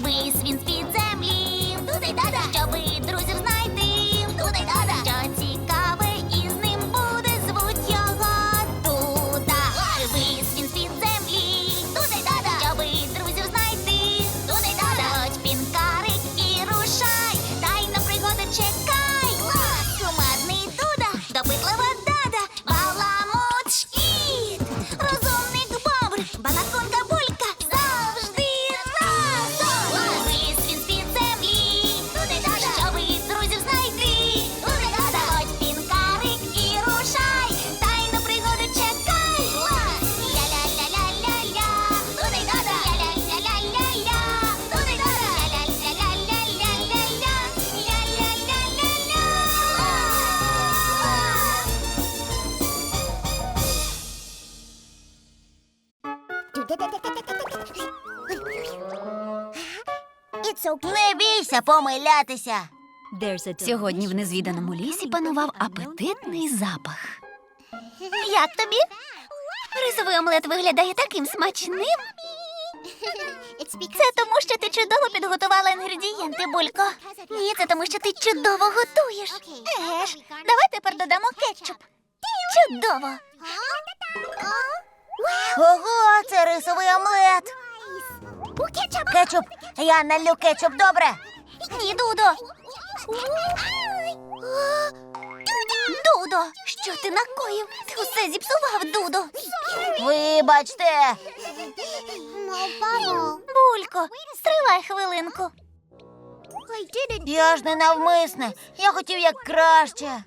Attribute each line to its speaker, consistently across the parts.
Speaker 1: Вись він з-під землі. Туди-дада. Щоби друзів знайти. Туди-дада. Що цікаве із ним буде, звуть його Дуда. Вись він з-під землі. Туди-дада. Щоби друзів знайти. Туди-дада. Заходь, пінкарик, і рушай. Тайна пригоди чекай. Кумедний Дуда, допитлива Дада, баламут шкіт, розумник Бобр, балаконка Булька, завжди разом. Виліз він з-під землі. Туди-дада. Щоби друзів знайти. Туди-дада. Заходь, пінкарик, і рушай. Тайну пригоду чекай. Ля-ля-ля-ля-ля-ля. Туди-дада. Ля-ля-ля-ля-ля-ля. Туди-дада. Ля-ля-ля-ля-ля-ля-ля. Ля-ля-ля-ля-ля-ля. Не бійся помилятися.
Speaker 2: Сьогодні в незвіданому лісі панував апетитний запах.
Speaker 1: Як тобі? Рисовий омлет виглядає таким смачним. Це тому, що ти чудово підготувала інгредієнти, Булько. Ні, це тому, що ти чудово готуєш. Еге ж, давай тепер додамо кетчуп. Чудово! Ого, це рисовий омлет. Кетчуп, я налью кетчуп, добре? Ні, Дудо. Дудо, що ти накоїв? Ти усе зіпсував, Дудо. Вибачте. Булько, стривай хвилинку. Я ж не навмисне. Я хотів як краще.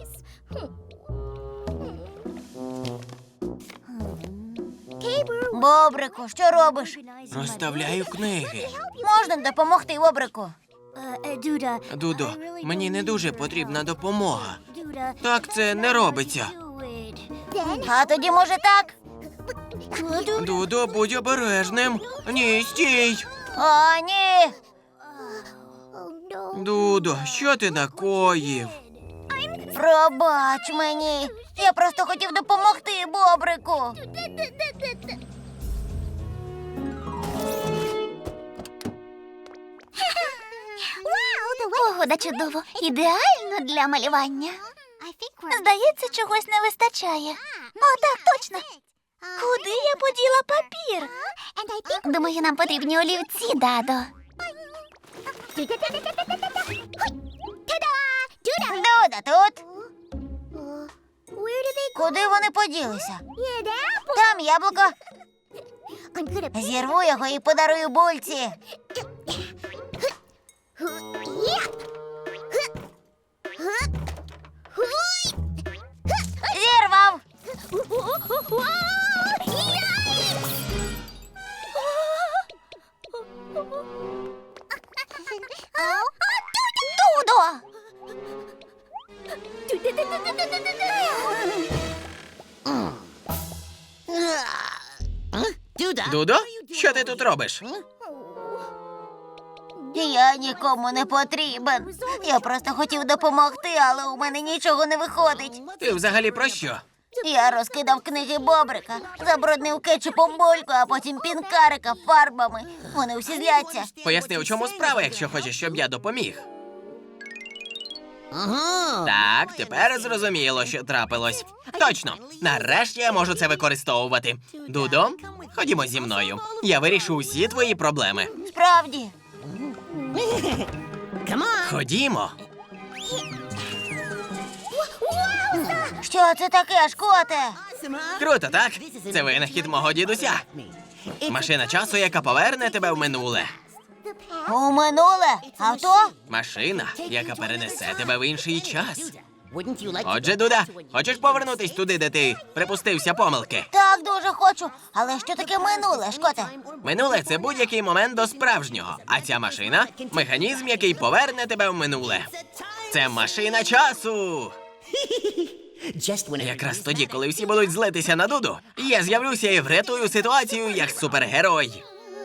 Speaker 1: Бобрику, що робиш?
Speaker 3: Розставляю книги.
Speaker 1: Можна допомогти, Бобрику?
Speaker 3: Дудо, мені не дуже потрібна допомога. Так це не робиться.
Speaker 1: А тоді, може, так?
Speaker 3: Дудо, будь обережним. Ні, стій.
Speaker 1: О, ні.
Speaker 3: Дудо, що ти накоїв?
Speaker 1: Пробач мені. Я просто хотів допомогти Бобрику. Погода чудово. Ідеально для малювання. Здається, чогось не вистачає. О, так, точно. Куди я поділа папір? Думаю, нам потрібні олівці, Дадо. Дуда тут. Куди вони поділися? Там яблуко. Зірву його і подарую Бульці. Зірвав. Дудо!
Speaker 3: Дудо, що ти тут робиш?
Speaker 1: Я нікому не потрібен. Я просто хотів допомогти, але у мене нічого не виходить.
Speaker 3: Ти взагалі про що?
Speaker 1: Я розкидав книги Бобрика, забруднив кетчупом Бульку, а потім пінкарика фарбами. Вони усі зляться.
Speaker 3: Поясни, у чому справа, якщо хочеш, щоб я допоміг. Так, тепер зрозуміло, що трапилось. Точно, нарешті я можу це використовувати. Дудо, ходімо зі мною. Я вирішу усі твої проблеми.
Speaker 1: Справді.
Speaker 3: Ходімо.
Speaker 1: Що це таке, Шкоте?
Speaker 3: Круто, так? Це винахід мого дідуся. Машина часу, яка поверне тебе в минуле.
Speaker 1: У минуле? Авто?
Speaker 3: Машина, яка перенесе тебе в інший час. Отже, Дуда, хочеш повернутись туди, де ти припустився помилки?
Speaker 1: Так, дуже хочу. Але що таке минуле, Шкоте?
Speaker 3: Минуле – це будь-який момент до справжнього. А ця машина – механізм, який поверне тебе в минуле. Це машина часу! Якраз тоді, коли всі будуть злитися на Дуду, я з'явлюся і врятую ситуацію як супергерой.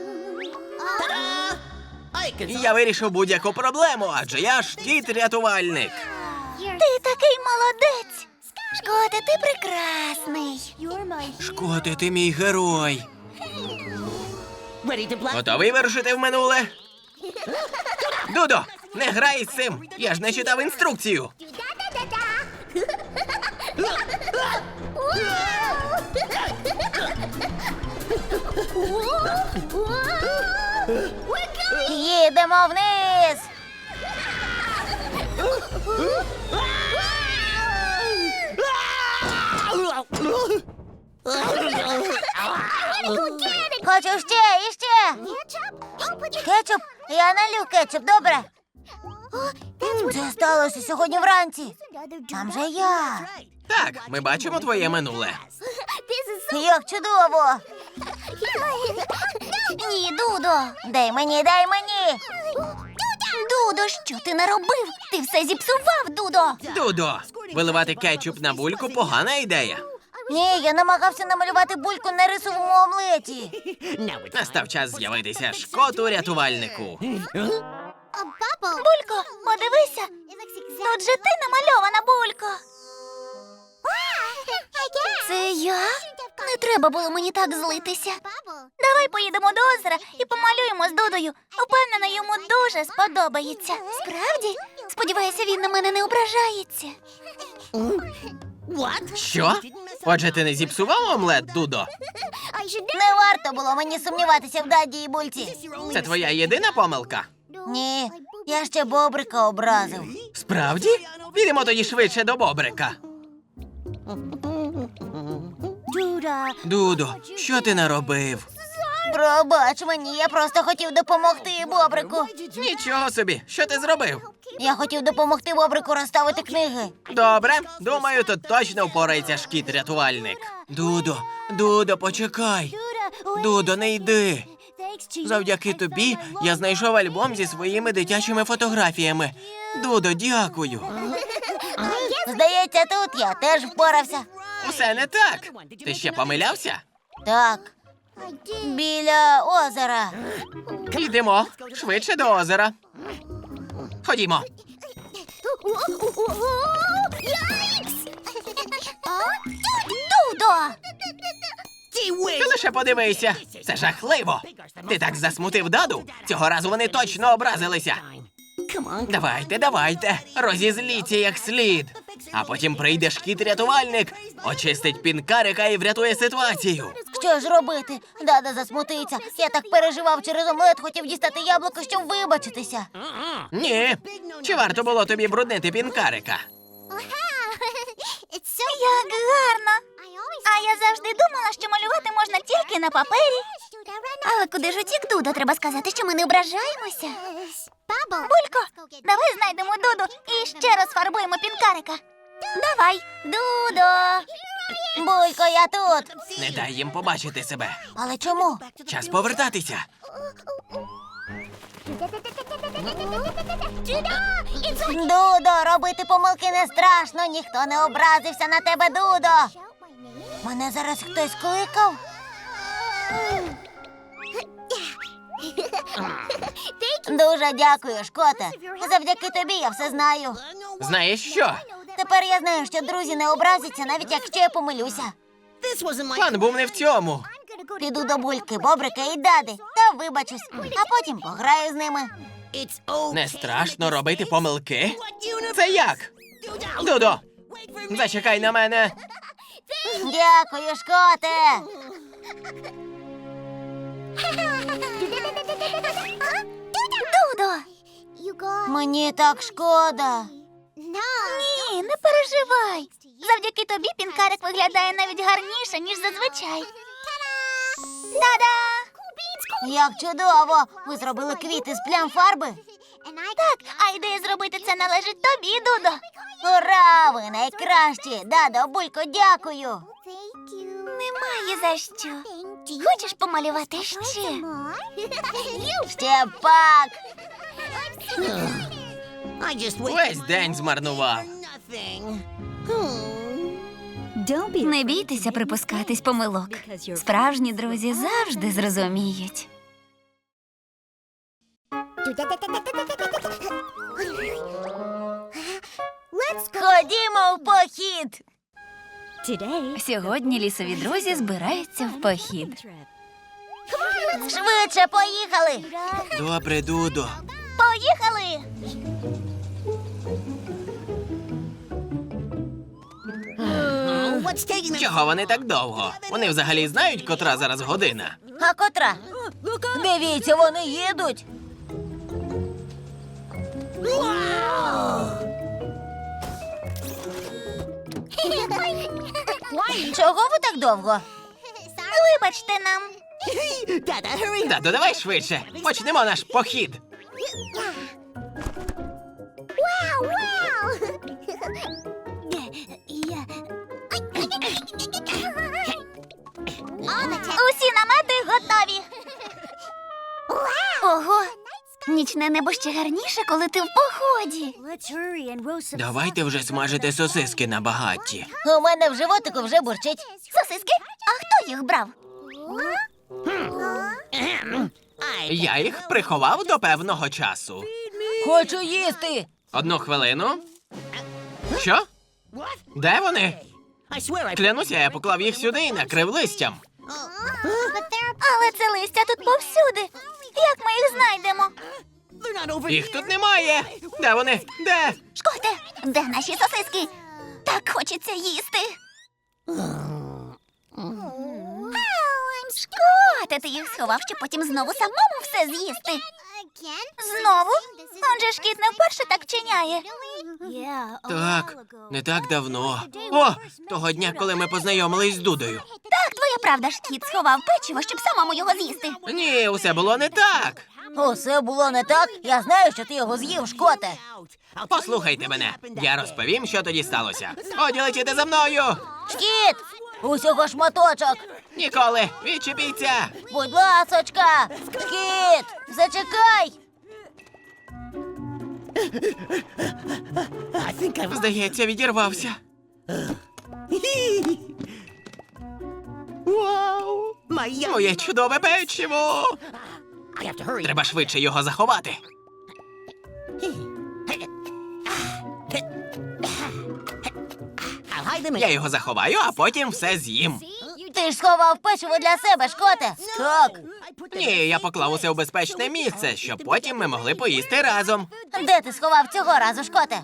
Speaker 3: Я вирішу будь-яку проблему, адже я ж дід-рятувальник.
Speaker 1: Ти такий молодець. Шкоте, ти прекрасний.
Speaker 3: Шкоте, ти мій герой. Готовий вирушити в минуле? Дудо, не грай з цим! Я ж не читав інструкцію!
Speaker 1: Їдемо вниз! Хочу ще і ще! Кетчуп? Я налью кетчуп, добре? Це сталося сьогодні вранці. Там же я.
Speaker 3: Так, ми бачимо твоє минуле.
Speaker 1: Як чудово! Ні, Дудо! Дай мені, дай мені! Дудо, що ти наробив? Ти все зіпсував, Дудо!
Speaker 3: Дудо, виливати кетчуп на бульку – погана ідея.
Speaker 1: Ні, я намагався намалювати бульку на рисовому омлеті.
Speaker 3: Настав час з'явитися шкоту-рятувальнику.
Speaker 1: Булько, подивися! Тут же ти намальована, Булько! Це я? Не треба було мені так злитися. Давай поїдемо до озера і помалюємо з Дудою. Упевнена, йому дуже сподобається. Справді? Сподіваюся, він на мене не ображається.
Speaker 3: Що? Отже, ти не зіпсував омлет, Дудо?
Speaker 1: Не варто було мені сумніватися в Даді і Бульці.
Speaker 3: Це твоя єдина помилка?
Speaker 1: Ні, я ще Бобрика образив.
Speaker 3: Справді? Підемо тоді швидше до Бобрика. Дудо, що ти наробив?
Speaker 1: Пробач мені, я просто хотів допомогти Бобрику.
Speaker 3: Нічого собі, що ти зробив?
Speaker 1: Я хотів допомогти Бобрику розставити книги.
Speaker 3: Добре, думаю, тут точно впорається шкіт-рятувальник. Дудо, почекай. Дудо, не йди. Завдяки тобі я знайшов альбом зі своїми дитячими фотографіями. Дудо, дякую.
Speaker 1: Здається, тут я теж впорався.
Speaker 3: Усе не так. Ти ще помилявся?
Speaker 1: Так, біля озера.
Speaker 3: Йдемо швидше до озера. Ходімо.
Speaker 1: Дудо!
Speaker 3: Ти лише подивися. Це жахливо. Ти так засмутив Даду. Цього разу вони точно образилися. Давайте, розізліться як слід. А потім прийде шкіт-рятувальник, очистить пінкарика і врятує ситуацію.
Speaker 1: Що ж робити? Дада засмутиться. Я так переживав через омлет, хотів дістати яблуко, щоб вибачитися.
Speaker 3: Ні. Чи варто було тобі бруднити пінкарика?
Speaker 1: Як гарно! А я завжди думала, що малювати можна тільки на папері. Але куди ж утік Дудо? Треба сказати, що ми не ображаємося. Булько, давай знайдемо Дуду і ще раз фарбуємо пінкарика. Давай, Дудо! Булько, я тут.
Speaker 3: Не дай їм побачити себе.
Speaker 1: Але чому?
Speaker 3: Час повертатися.
Speaker 1: Дудо, робити помилки не страшно, ніхто не образився на тебе, Дудо. Мене зараз хтось кликав? Дуже дякую, Шкоте. Завдяки тобі я все знаю.
Speaker 3: Знаєш що?
Speaker 1: Тепер я знаю, що друзі не образяться, навіть якщо я помилюся.
Speaker 3: План був не в цьому.
Speaker 1: Піду до Бульки, Бобрика і Дади та вибачусь, а потім пограю з ними.
Speaker 3: Не страшно робити помилки? Це як? Дудо, зачекай на мене.
Speaker 1: Дякую, Шкоте. Дудо! Мені так шкода. Ні, не переживай. Завдяки тобі пінкарик виглядає навіть гарніше, ніж зазвичай. Та-да! Як чудово! Ви зробили квіти з плям фарби? Так, а ідея зробити це належить тобі, Дудо. Ура! Ви найкращі! Дадо, Булько, дякую. Немає за що. Хочеш помалювати ще? Ще пак!
Speaker 3: Весь день змарнував.
Speaker 2: Не бійтеся припускатись помилок. Справжні друзі завжди зрозуміють.
Speaker 1: Ходімо в похід!
Speaker 2: Сьогодні лісові друзі збираються в похід.
Speaker 1: Швидше поїхали!
Speaker 3: Добре, Дудо.
Speaker 1: Поїхали!
Speaker 3: Чого вони так довго? Вони взагалі знають, котра зараз година?
Speaker 2: А котра? Дивіться, вони їдуть. Чого ви так довго?
Speaker 1: Вибачте нам.
Speaker 3: Дадо, давай швидше. Почнемо наш похід.
Speaker 1: Усі намети готові. Ого, нічне небо ще гарніше, коли ти в поході.
Speaker 3: Давайте вже смажити сосиски на багатті.
Speaker 2: У мене в животику вже бурчить.
Speaker 1: Сосиски? А хто їх брав?
Speaker 3: Я їх приховав до певного часу.
Speaker 2: Хочу їсти.
Speaker 3: Одну хвилину. Що? Де вони? Клянуся, я поклав їх сюди і накрив листям.
Speaker 1: Але це листя тут повсюди. Як ми їх знайдемо?
Speaker 3: Їх тут немає. Де вони? Де?
Speaker 1: Шкоте, де наші сосиски? Так хочеться їсти. Шкоте, ти їх сховав, щоб потім знову самому все з'їсти. Знову? Он же ж кіт не вперше так вчиняє.
Speaker 3: Так, не так давно. О, того дня, коли ми познайомились з Дудою.
Speaker 1: Так, твоя правда ж кіт сховав печиво, щоб самому його з'їсти.
Speaker 3: Ні, усе було не так.
Speaker 2: Усе було не так. Я знаю, що ти його з'їв, Шкоте.
Speaker 3: Послухайте мене. Я розповім, що тоді сталося. Годі летіти за мною.
Speaker 2: Шкіт! Усього шматочок.
Speaker 3: Ніколи, відчепіться.
Speaker 2: Будь ласочка. Шкіт, зачекай.
Speaker 3: Здається, відірвався. Моє чудове печиво. Треба швидше його заховати. Я його заховаю, а потім все з'їм.
Speaker 2: Ти ж сховав печиво для себе, Шкоте. Так.
Speaker 3: Ні, я поклав усе у безпечне місце, щоб потім ми могли поїсти разом.
Speaker 2: Де ти сховав цього разу, Шкоте?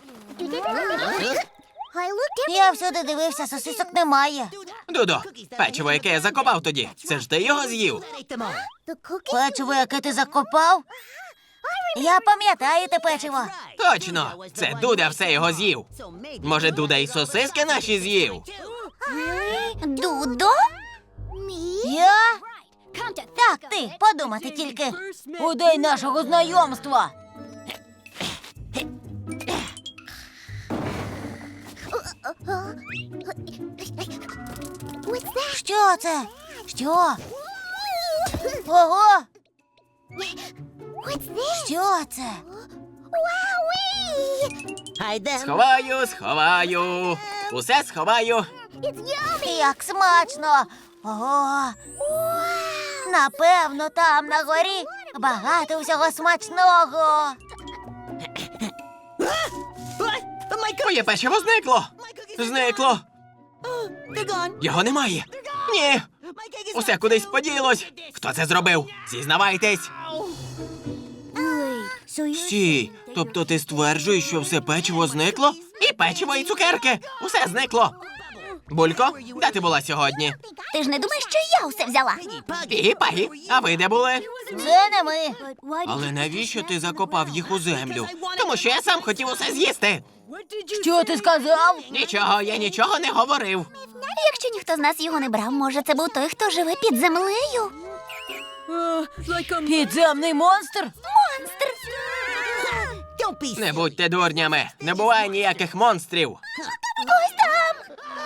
Speaker 2: Я всюди дивився, сосисок немає.
Speaker 3: Дудо, печиво, яке я закопав тоді, це ж ти його з'їв.
Speaker 2: Печиво, яке ти закопав? Я пам'ятаю те печиво.
Speaker 3: Точно, це Дуда все його з'їв. Може, Дуда і сосиски наші з'їв?
Speaker 1: Дудо?
Speaker 2: Я? Так, ти, подумати тільки. У день нашого знайомства. Що це? Що? Ого! Що це?
Speaker 3: Сховаю, сховаю. Усе сховаю.
Speaker 2: Як смачно! Ого! Напевно, там на горі багато всього смачного.
Speaker 3: Моє печиво зникло. Зникло. Його немає. Ні. Усе кудись поділось. Хто це зробив? Зізнавайтесь. Стій, тобто ти стверджуєш, що все печиво зникло? І печиво, і цукерки. Усе зникло. Булько, де ти була сьогодні?
Speaker 1: Ти ж не думаєш, що я усе взяла?
Speaker 3: Пігі, Пагі, а ви де були?
Speaker 2: Це не ми.
Speaker 3: Але навіщо ти закопав їх у землю? Тому що я сам хотів усе з'їсти.
Speaker 2: Що ти сказав?
Speaker 3: Нічого, я нічого не говорив.
Speaker 1: Якщо ніхто з нас його не брав, може, це був той, хто живе під землею?
Speaker 2: Підземний монстр?
Speaker 1: Монстр!
Speaker 3: Не будьте дурнями, не буває ніяких монстрів.
Speaker 1: Ось там!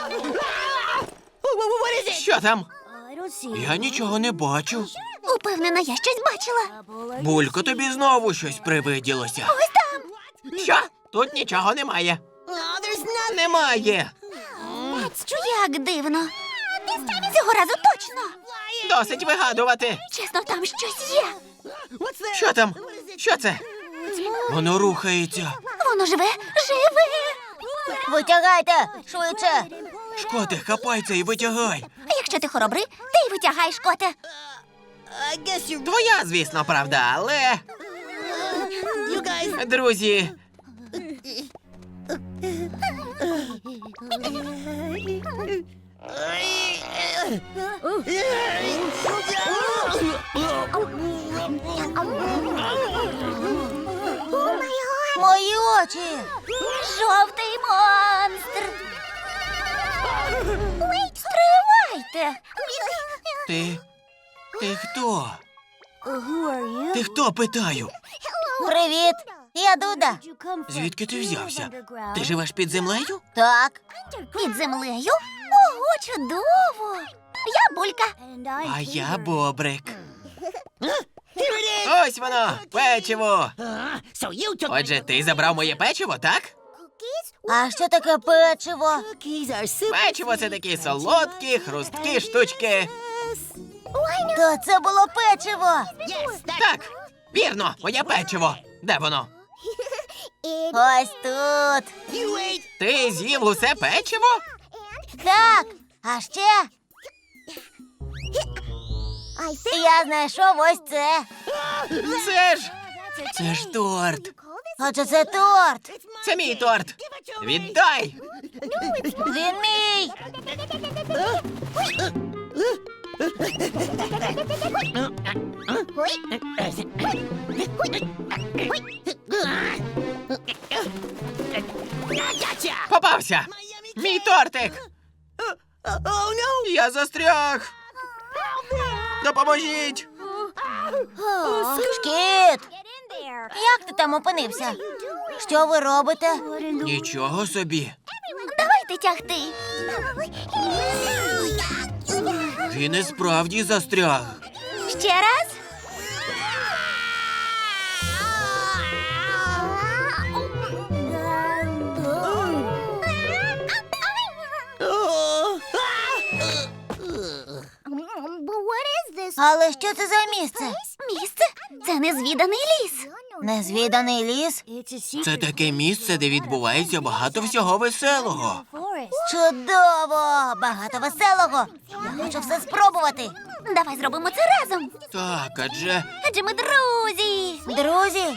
Speaker 3: Що там? Я нічого не бачу.
Speaker 1: Упевнена, я щось бачила.
Speaker 3: Булько, тобі знову щось привиділося.
Speaker 1: Ось там!
Speaker 3: Що? Тут нічого немає. Немає.
Speaker 1: Як дивно. Цього разу точно.
Speaker 3: Досить вигадувати.
Speaker 1: Чесно, там щось є.
Speaker 3: Що там? Що це? Воно рухається.
Speaker 1: Воно живе.
Speaker 2: Витягайте, швидше.
Speaker 3: Шкоте, хапайся і витягай.
Speaker 1: А якщо ти хоробрий, ти й витягаєш, коте.
Speaker 3: Твоя, звісно, правда, але... Друзі,
Speaker 1: Мої очі! Жовтий монстр! Стривайте!
Speaker 3: ти хто? Ти хто, питаю?
Speaker 1: Привіт! Я Дуда.
Speaker 3: Звідки ти взявся? Ти живеш під землею?
Speaker 1: Так. Під землею? Ого, чудово! Я Булька.
Speaker 3: А я Бобрик. Ось воно, печиво. Отже, ти забрав моє печиво, так?
Speaker 1: А що таке печиво?
Speaker 3: Печиво – це такі солодкі, хрусткі штучки.
Speaker 1: То це було печиво.
Speaker 3: Так, вірно, моє печиво. Де воно?
Speaker 1: Ось тут.
Speaker 3: Ти з'їв усе печиво?
Speaker 1: Так, а ще я знайшов ось це.
Speaker 3: Це ж торт.
Speaker 1: Отже, це торт.
Speaker 3: Це мій торт. Віддай.
Speaker 1: Він мій.
Speaker 3: Попався. Мій тортик. Я застряг. Допоможіть.
Speaker 1: Шкіт, як ти там опинився? Що ви робите?
Speaker 3: Нічого собі.
Speaker 1: Давайте тягти.
Speaker 3: Він і справді застряг.
Speaker 1: Ще раз. Але що це за місце?
Speaker 2: Місце? Це незвіданий ліс.
Speaker 1: Незвіданий ліс?
Speaker 3: Це таке місце, де відбувається багато всього веселого.
Speaker 1: Чудово! Багато веселого. Я хочу все спробувати.
Speaker 2: Давай зробимо це разом.
Speaker 3: Так, адже
Speaker 2: Адже ми друзі.
Speaker 1: Друзі?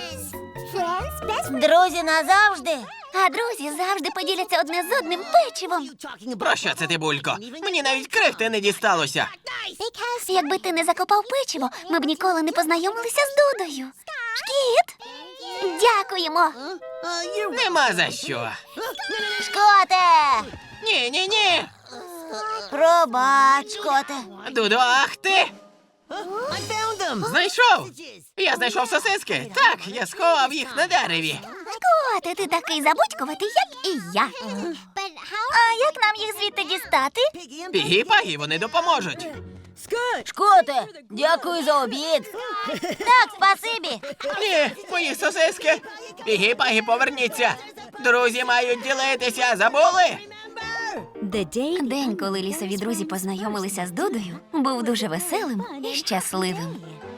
Speaker 1: Друзі назавжди.
Speaker 2: А друзі завжди поділяться одне з одним печивом.
Speaker 3: про що це ти, Булько? Мені навіть крихти не дісталося.
Speaker 2: Якби ти не закопав печиво, ми б ніколи не познайомилися з Дудою. Шкіт! Дякуємо.
Speaker 3: Нема за що.
Speaker 1: Шкоте!
Speaker 3: Ні.
Speaker 1: Пробач, шкоте.
Speaker 3: Дудо, ах ти! Знайшов! Я знайшов сосиски. Так, я сховав їх на дереві.
Speaker 2: Шкоте, ти такий забудькуватий, як і я. А як нам їх звідти дістати?
Speaker 3: Пігі-пагі, вони допоможуть.
Speaker 1: Шкоте, дякую за обід. Так, спасибі.
Speaker 3: Ні, мої сосиски. Пігі-пагі, поверніться. Друзі мають ділитися, забули?
Speaker 2: День, коли лісові друзі познайомилися з Дудою, був дуже веселим і щасливим.